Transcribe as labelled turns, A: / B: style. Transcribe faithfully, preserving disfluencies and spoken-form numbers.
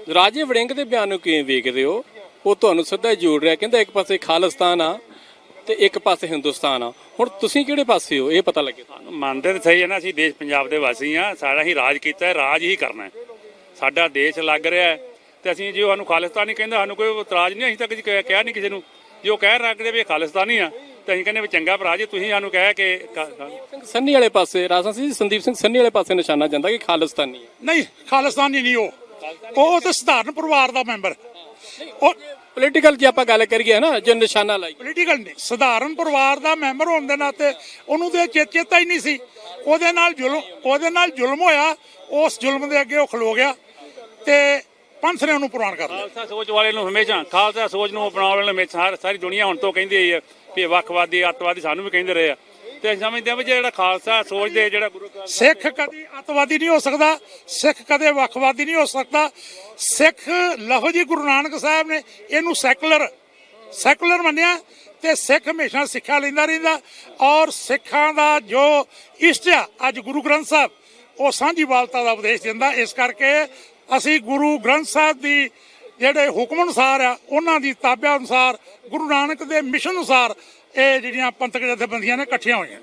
A: ਰਾਜੇ ਵੜਿੰਗ ਦੇ ਬਿਆਨ ਨੂੰ ਕਿਵੇਂ ਵੇਖਦੇ ਹੋ? ਉਹ ਤੁਹਾਨੂੰ ਸਿੱਧਾ ਜੋੜ ਰਿਹਾ, ਕਹਿੰਦਾ ਇੱਕ ਪਾਸੇ ਖਾਲਿਸਤਾਨ ਆ ਤੇ ਇੱਕ ਪਾਸੇ ਹਿੰਦੁਸਤਾਨ ਆ। ਹੁਣ ਤੁਸੀਂ ਕਿਹੜੇ ਪਾਸੇ ਹੋ ਇਹ ਪਤਾ ਲੱਗੇ ਤੁਹਾਨੂੰ?
B: ਮੰਨਦੇ ਤਾਂ ਸਹੀ ਹੈ ਨਾ, ਅਸੀਂ ਦੇਸ਼ ਪੰਜਾਬ ਦੇ ਵਾਸੀ ਆ, ਸਾਡਾ ਹੀ ਰਾਜ ਕੀਤਾ ਹੈ, ਰਾਜ ਹੀ ਕਰਨਾ ਹੈ। ਸਾਡਾ ਦੇਸ਼ ਲੱਗ ਰਿਹਾ ਹੈ ਤੇ ਅਸੀਂ ਜੇ ਸਾਨੂੰ ਖਾਲਿਸਤਾਨੀ ਕਹਿੰਦਾ ਸਾਨੂੰ ਕੋਈ ਇਤਰਾਜ਼ ਨਹੀਂ, ਅਸੀਂ ਤਾਂ ਕਦੇ ਕਿਹਾ ਨਹੀਂ ਕਿਸੇ ਨੂੰ। ਜੇ ਉਹ ਕਹਿ ਰੱਖਦੇ ਵੀ ਖਾਲਿਸਤਾਨੀ ਆ ਤੇ ਅਸੀਂ ਕਹਿੰਦੇ ਵੀ ਚੰਗਾ ਭਰਾ ਜੀ ਤੁਸੀਂ ਸਾਨੂੰ ਕਹਿ ਕੇ
A: ਸੰਨੀ ਵਾਲੇ ਪਾਸੇ ਰਾਜਾ ਸਿੰਘ ਸੰਦੀਪ ਸਿੰਘ ਸੰਨੀ ਵਾਲੇ ਪਾਸੇ ਨਿਸ਼ਾਨਾ ਜਾਂਦਾ ਕਿ ਖਾਲਿਸਤਾਨੀ ਹੈ।
C: ਨਹੀਂ, ਖਾਲਿਸਤਾਨੀ ਨਹੀਂ, ਉਹ ਉਹ ਤਾਂ ਸਧਾਰਨ ਪਰਿਵਾਰ ਦਾ ਮੈਂਬਰ। ਉਹ
A: ਪੋਲੀਟੀਕਲ ਜੇ ਆਪਾਂ ਗੱਲ ਕਰੀਏ ਨਾ, ਜੇ ਨਿਸ਼ਾਨਾ ਲਾਈ
C: ਪੋਲੀਟੀਕਲ ਨਹੀਂ, ਸਧਾਰਨ ਪਰਿਵਾਰ ਦਾ ਮੈਂਬਰ ਹੋਣ ਦੇ ਨਾਤੇ ਉਹਨੂੰ ਤੇ ਚੇ- ਚੇਤਾ ਹੀ ਨਹੀਂ ਸੀ। ਉਹਦੇ ਨਾਲ ਜ਼ੁਲਮ ਉਹਦੇ ਨਾਲ ਜ਼ੁਲਮ ਹੋਇਆ, ਉਸ ਜ਼ੁਲਮ ਦੇ ਅੱਗੇ ਉਹ ਖਲੋ ਗਿਆ ਤੇ ਪੰਥ ਨੇ ਉਹਨੂੰ ਪ੍ਰਵਾਨ ਕਰ ਲਿਆ।
B: ਖਾਲਸਾ ਸੋਚ ਵਾਲੇ ਨੂੰ ਹਮੇਸ਼ਾ ਖਾਲਸਾ ਸੋਚ ਨੂੰ ਅਪਣਾਉਣ ਵਾਲੇ ਨੂੰ ਹਮੇਸ਼ਾ ਸਾਰੀ ਦੁਨੀਆ ਹੁਣ ਤੋਂ ਕਹਿੰਦੀ ਆਈ ਹੈ ਵੀ ਵੱਖਵਾਦੀ ਅੱਤਵਾਦੀ ਸਾਨੂੰ ਵੀ ਕਹਿੰਦੇ ਰਹੇ ਆ। ਤੇ ਅਸੀਂ ਸਮਝਦੇ ਹਾਂ ਵੀ ਜਿਹੜਾ ਖਾਲਸਾ ਸੋਚਦੇ ਜਿਹੜਾ ਗੁਰੂ ਗ੍ਰੰਥ
C: ਸਿੱਖ ਕਦੀ ਅੱਤਵਾਦੀ ਨਹੀਂ ਹੋ ਸਕਦਾ, ਸਿੱਖ ਕਦੇ ਵੱਖਵਾਦੀ ਨਹੀਂ ਹੋ ਸਕਦਾ। ਸਿੱਖ ਲਫ਼ਜ਼ ਹੀ ਗੁਰੂ ਨਾਨਕ ਸਾਹਿਬ ਨੇ ਇਹਨੂੰ ਸੈਕੂਲਰ ਸੈਕੂਲਰ ਮੰਨਿਆ ਤੇ ਸਿੱਖ ਹਮੇਸ਼ਾ ਸਿੱਖਿਆ ਲੈਂਦਾ ਰਹਿੰਦਾ। ਔਰ ਸਿੱਖਾਂ ਦਾ ਜੋ ਇਸ਼ਟ ਆ ਅੱਜ ਗੁਰੂ ਗ੍ਰੰਥ ਸਾਹਿਬ, ਉਹ ਸਾਂਝੀਵਾਲਤਾ ਦਾ ਉਪਦੇਸ਼ ਦਿੰਦਾ। ਇਸ ਕਰਕੇ ਅਸੀਂ ਗੁਰੂ ਗ੍ਰੰਥ ਸਾਹਿਬ ਦੀ ਜਿਹੜੇ ਹੁਕਮ ਅਨੁਸਾਰ ਆ, ਉਹਨਾਂ ਦੀ ਤਾਬਿਆ ਅਨੁਸਾਰ, ਗੁਰੂ ਨਾਨਕ ਦੇ ਮਿਸ਼ਨ ਅਨੁਸਾਰ ਇਹ ਜਿਹੜੀਆਂ ਪੰਥਕ ਜਥੇਬੰਦੀਆਂ ਨੇ ਇਕੱਠੀਆਂ ਹੋਈਆਂ।